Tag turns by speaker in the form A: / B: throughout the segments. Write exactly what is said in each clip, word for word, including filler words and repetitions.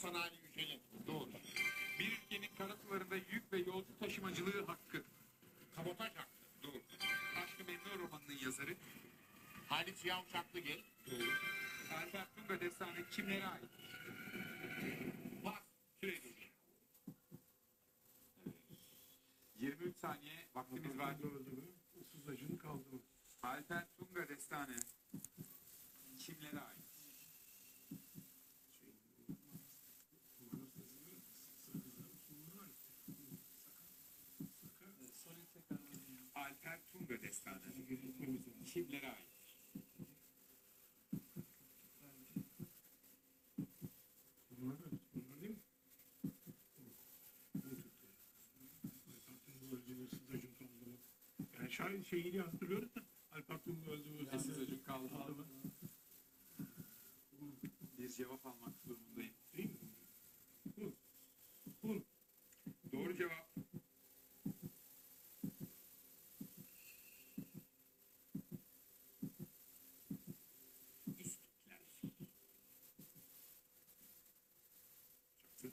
A: sanayi yüceli.
B: Doğru. Bir ülkenin karasularında yük ve yolcu taşımacılığı hakkı.
A: Kabotaj hakkı.
B: Doğru. Aşk-ı Memnu romanının yazarı.
A: Halit Ziya Uşaklıgil.
B: Doğru. Alper Tunga destanı kimlere ait?
A: Pas.
B: Süre dur. yirmi üç saniye vaktimiz var.
C: Öldü mü? Issız acını kaldı mı?
B: Alper Tunga destanı kimlere ait?
C: Şey, Mars yazıları, Sakızlar, Musulmanlar. Sakar, Sakar.
B: Alper Tunga destanı
C: Gitmemiz lazım.
B: kimlere ait?
C: Bunlar, bunlar değil mi? Bu Türkleri. Alparslan bu öldü, ıssız acın kaldı mı? Yani şahin şeyini hatırlıyoruz da Alparslan bu öldü, ıssız
B: Sessiz acın kaldı
C: kaldı mı?
B: Bir cevap almak durumundayım.
C: Değil mi? Bu. Bu.
B: Doğru cevap. İstiklal. Çaktın.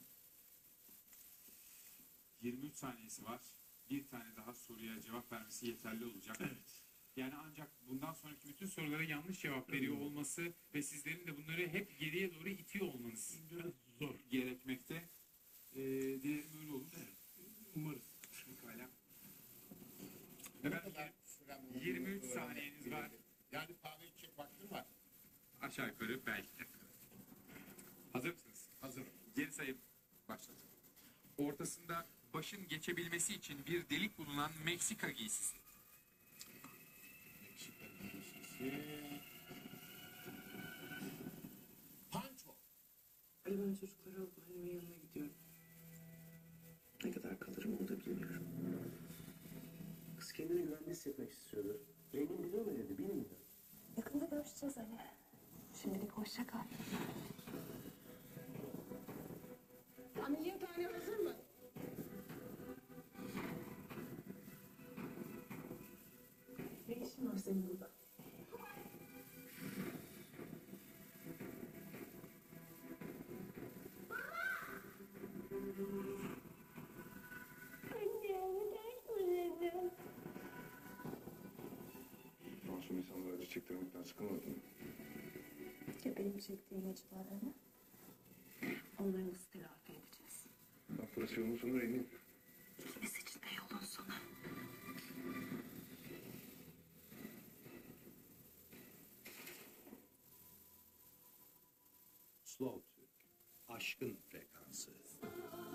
B: yirmi üç saniyesi var. Bir tane daha soruya cevap vermesi yeterli olacak.
C: Evet.
B: Yani ancak bundan sonraki bütün sorulara yanlış cevap veriyor olması ve sizlerin de bunları hep geriye doğru itiyor olmanız
C: Biraz zor.
B: gerekmekte. Ee, dilerim öyle olur.
C: Evet. Umarız.
B: Pekala.
A: Ne
B: Efendim,
A: kadar süren bunu
B: yirmi üç
A: öğrenmek
B: saniyeniz var.
A: gerekir? Yani kahve içecek vaktim var.
B: Aşağı yukarı belki de. Hazır mısınız?
A: Hazırım.
B: Geri sayım başladı. Ortasında başın geçebilmesi için bir delik bulunan Meksika giysisi.
A: Meksika giysisi. Panço.
D: Ali ben çocukları alıp annemin yanına gidiyorum. Ne kadar kalırım onu da bilmiyorum.
E: Kız kendini güvende hissetmek istiyordu. Rengin biliyor mu dedi, bilmiyor.
F: Yakında görüşeceğiz Ali. Şimdilik hoşça kal.
G: Ameliyathane hazır mı?
D: Ne işin var senin burada?
H: Masum insanlara acı çektirmekten sıkılmadın mı?
F: Ya benim çektiğim acılar hani? Onları nasıl telafi edeceğiz?
H: Bak burası yolun sonu Rengin.
F: Gitmesi için de yolun sonu.
I: Slow Türk, aşkın frekansı.